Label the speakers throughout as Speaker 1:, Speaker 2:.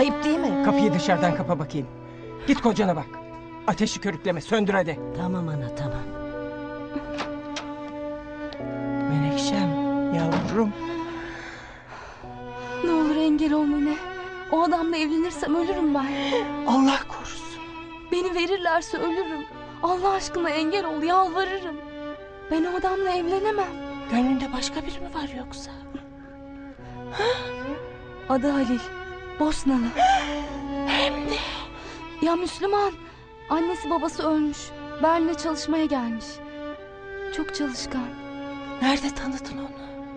Speaker 1: Ayıp değil mi?
Speaker 2: Kapıyı dışarıdan kapa bakayım. Git kocana bak. Ateşi körükleme, söndür hadi.
Speaker 1: Tamam ana, tamam.
Speaker 2: Menekşem, yavrum.
Speaker 3: Ne olur engel ol Mine. O adamla evlenirsem ölürüm ben.
Speaker 2: Allah korusun.
Speaker 3: Beni verirlerse ölürüm. Allah aşkına engel ol, yalvarırım. Ben o adamla evlenemem.
Speaker 1: Gönlünde başka biri mi var yoksa?
Speaker 3: Adı Halil. Bosnalı.
Speaker 1: Hem de.
Speaker 3: Ya Müslüman. Annesi babası ölmüş. Berlin'e çalışmaya gelmiş. Çok çalışkan.
Speaker 1: Nerede tanıdın onu?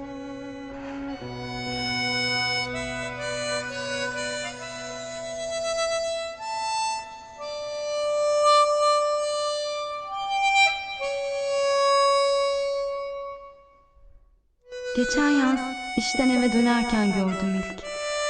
Speaker 3: Geçen yaz işten eve dönerken gördüm ilk.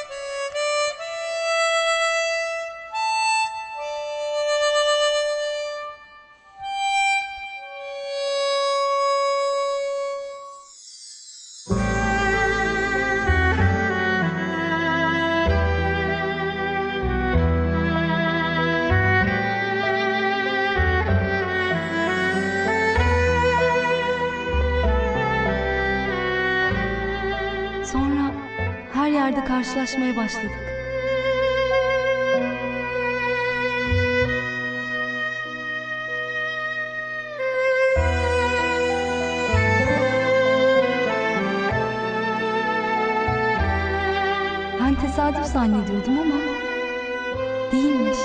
Speaker 3: Sonra her yerde karşılaşmaya başladık. Ben tesadüf zannediyordum ama değilmiş.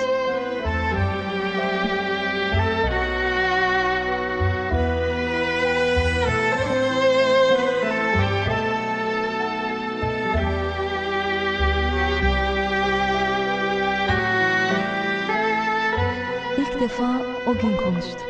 Speaker 3: İlk defa o gün konuştuk.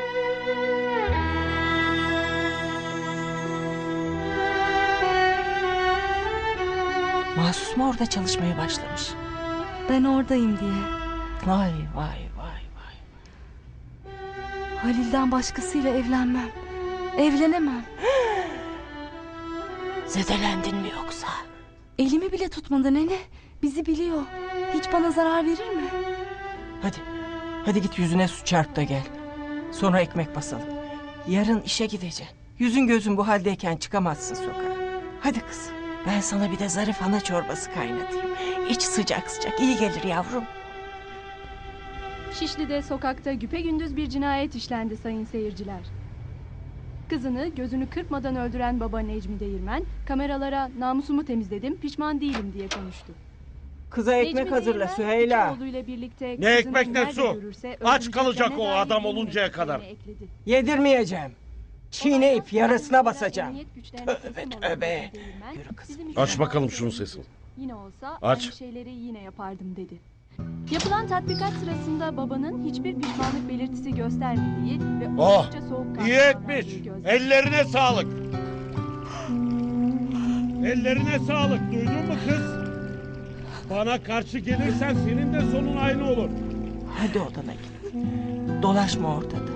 Speaker 1: Mahsus mu orada çalışmaya başlamış?
Speaker 3: Ben oradayım diye.
Speaker 1: Vay vay vay vay.
Speaker 3: Halil'den başkasıyla evlenmem. Evlenemem.
Speaker 1: Zedelendin mi yoksa?
Speaker 3: Elimi bile tutmadı nene. Bizi biliyor. Hiç bana zarar verir mi?
Speaker 2: Hadi. Hadi git yüzüne su çarp da gel. Sonra ekmek basalım. Yarın işe gideceksin. Yüzün gözün bu haldeyken çıkamazsın sokağa. Hadi kızım. Ben sana bir de zarif ana çorbası kaynatayım. İç sıcak sıcak. İyi gelir yavrum.
Speaker 4: Şişli'de sokakta güpegündüz bir cinayet işlendi sayın seyirciler. Kızını gözünü kırpmadan öldüren baba Necmi Değirmen, kameralara namusumu temizledim, pişman değilim diye konuştu.
Speaker 2: Kıza ekmek
Speaker 4: Necmi
Speaker 2: hazırla
Speaker 4: Değirmen,
Speaker 2: Süheyla.
Speaker 4: iki oğluyla birlikte
Speaker 5: Ne
Speaker 4: kızını
Speaker 5: ekmek ne
Speaker 4: nerede
Speaker 5: su?
Speaker 4: görürse
Speaker 5: Aç
Speaker 4: öldüreceklerine
Speaker 5: kalacak o
Speaker 4: dair
Speaker 5: adam
Speaker 4: yemin
Speaker 5: oluncaya
Speaker 4: ettiklerini
Speaker 5: kadar.
Speaker 4: ekledi.
Speaker 2: Yedirmeyeceğim. Çiğneyip yarısına basacağım.
Speaker 4: Emniyet güçlerine
Speaker 2: Tövbe
Speaker 4: teslim olan
Speaker 2: tövbe.
Speaker 4: Necmi Değirmen,
Speaker 2: Yürü kızım.
Speaker 4: bizim
Speaker 5: Aç
Speaker 4: için
Speaker 5: bakalım
Speaker 4: bazı
Speaker 5: şunun
Speaker 4: şeyleri
Speaker 5: sesini.
Speaker 4: Yine olsa
Speaker 5: Aç.
Speaker 4: aynı şeyleri yine yapardım dedi. Yapılan tatbikat sırasında babanın hiçbir pişmanlık belirtisi göstermediği ve
Speaker 5: Oh,
Speaker 4: oldukça soğukkanlı
Speaker 5: İyi etmiş.
Speaker 4: davrandığı gözlendi.
Speaker 5: Ellerine sağlık. Ellerine sağlık. Duydun mu kız? Bana karşı gelirsen senin de sonun aynı olur.
Speaker 2: Hadi odana git. Dolaşma ortada.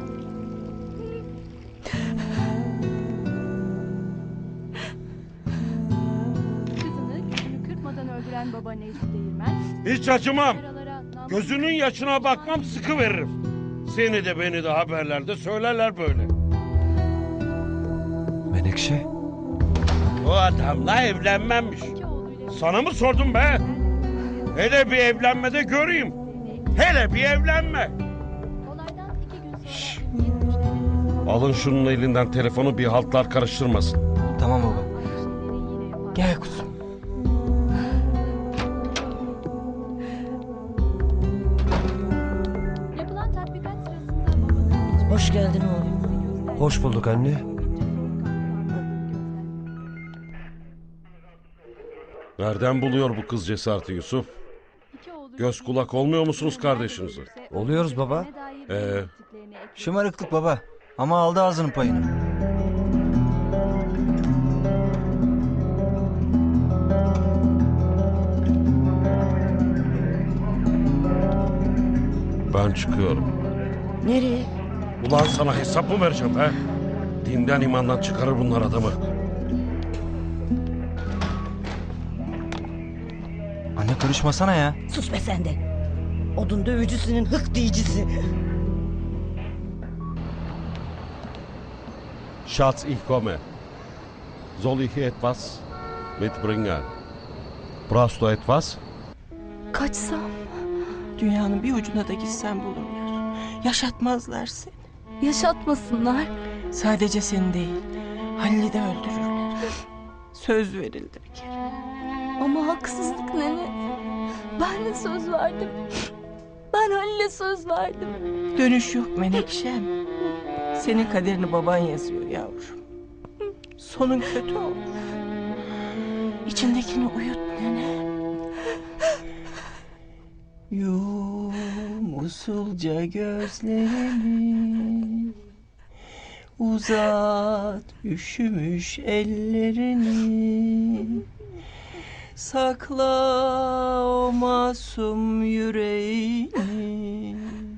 Speaker 4: Kızını gözünü kırpmadan öldüren baba Necmi Değirmen,
Speaker 5: Hiç acımam.
Speaker 4: kameralara namus-
Speaker 5: Gözünün yaşına bakmam, sıkı veririm. Seni de beni de haberlerde söylerler böyle.
Speaker 6: Menekşe,
Speaker 5: O adamla evlenmemmiş.
Speaker 4: İki oğluyla
Speaker 5: Sana mı sordum be? Hele bir evlenmede göreyim. Hele bir evlenme.
Speaker 4: olaydan 2 gün sonra emniyet güçlerine
Speaker 5: Alın şunun elinden telefonu, bir haltlar karıştırmasın.
Speaker 2: Tamam baba.
Speaker 4: aynı şeyleri yine yapardım.
Speaker 2: Gel kuzum.
Speaker 4: Yapılan tatbikat sırasında babanın hiçbir
Speaker 1: Hoş geldin oğlum.
Speaker 6: hoş bulduk anne.
Speaker 5: Nereden buluyor bu kız cesareti Yusuf? Göz kulak olmuyor musunuz kardeşinize?
Speaker 6: Oluyoruz baba.
Speaker 7: Şımarıklık baba. Ama aldı ağzının payını.
Speaker 5: Ben çıkıyorum.
Speaker 1: Nereye?
Speaker 5: Ulan sana hesap mı vereceğim he? Dinden imandan çıkarır bunlar adamı.
Speaker 7: Anne Karışmasana ya.
Speaker 1: Sus be sen de. Odun dövücüsünün hık diyicisi.
Speaker 5: Schatz, ich komme. Soll ich etwas mitbringen? Brauchst du etwas?
Speaker 3: Kaçsam,
Speaker 2: Dünyanın bir ucuna da gitsen bulurlar. Yaşatmazlar seni.
Speaker 3: yaşatmasınlar.
Speaker 2: Sadece seni değil, Halil'i de öldürürler. Söz verildi bir kere.
Speaker 3: Ama haksızlık nene. Ben de söz verdim. Ben Halil'e söz verdim.
Speaker 2: Dönüş yok Menekşem. Senin kaderini baban yazıyor yavrum. Sonun kötü olur. İçindekini uyut nene. Yum usulca gözlerini, uzat üşümüş ellerini, sakla o masum yüreğini,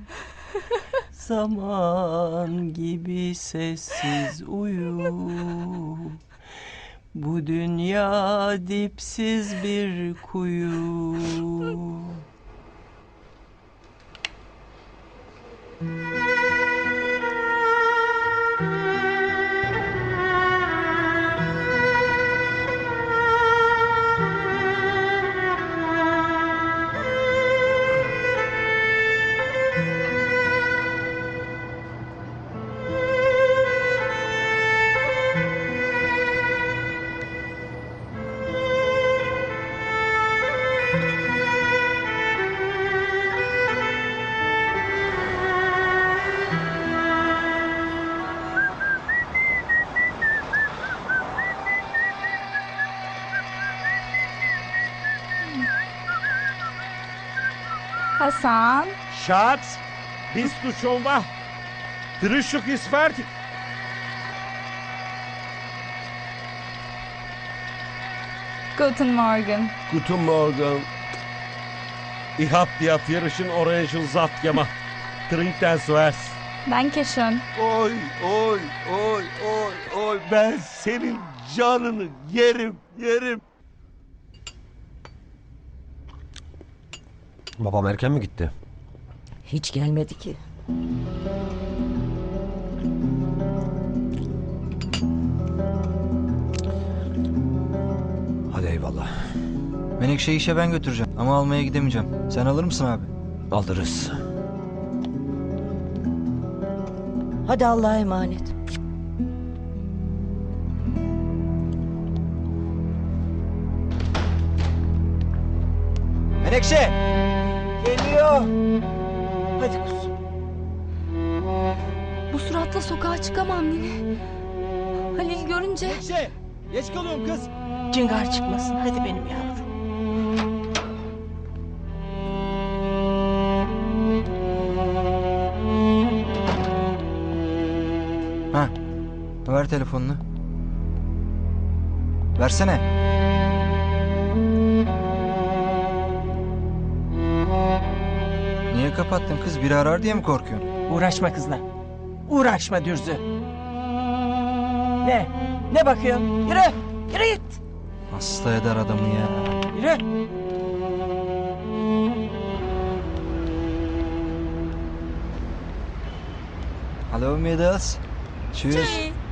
Speaker 2: zaman gibi sessiz uyu. Bu dünya dipsiz bir kuyu.
Speaker 3: Hasan.
Speaker 5: Schatz, bist du schon wach? Frühstück ist fertig.
Speaker 3: Guten Morgen.
Speaker 5: Guten Morgen. Ich hab dir frischen Orangensaft gemacht. Trink den zuerst.
Speaker 3: Danke schön.
Speaker 8: Oy oy oy oy oy ben senin canını yerim yerim.
Speaker 6: Babam erken mi gitti?
Speaker 1: Hiç gelmedi ki.
Speaker 6: Hadi eyvallah.
Speaker 7: Menekşe'yi işe ben götüreceğim ama almaya gidemeyeceğim. Sen alır mısın abi?
Speaker 6: Alırız.
Speaker 1: Hadi Allah'a emanet.
Speaker 7: Menekşe!
Speaker 2: Geliyor. Hadi kuzum.
Speaker 3: Bu suratla sokağa çıkamam nene. Halil görünce
Speaker 7: Menekşe! Geç kalıyorum kız.
Speaker 2: Cıngar çıkmasın. Hadi benim yavrum.
Speaker 7: Ha. Ver telefonunu. Versene. Niye kapattın kız? Biri arar diye mi korkuyorsun?
Speaker 2: Uğraşma kızla. Uğraşma Dürzü. Ne? Ne bakıyorsun? Yürü. Yürü git.
Speaker 7: Hasta eder adamı ya.
Speaker 2: Yürü.
Speaker 7: Hello Mädels. Tschüss.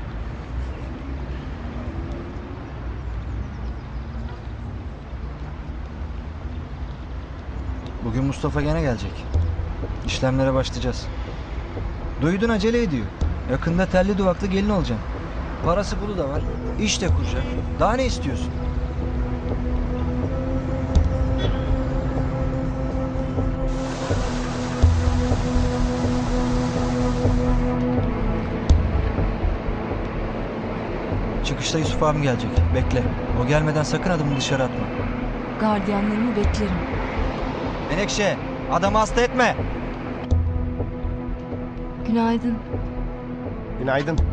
Speaker 7: Bugün Mustafa gene gelecek. İşlemlere başlayacağız. Duydun acele ediyor. Yakında telli duvaklı gelin olacaksın. Parası pulu da var. İş de kuracak. Daha ne istiyorsun? Çıkışta Yusuf abim gelecek. Bekle. O gelmeden sakın adımını dışarı atma.
Speaker 3: gardiyanlarımı beklerim.
Speaker 7: Menekşe, adamı hasta etme.
Speaker 3: Günaydın.
Speaker 6: Günaydın.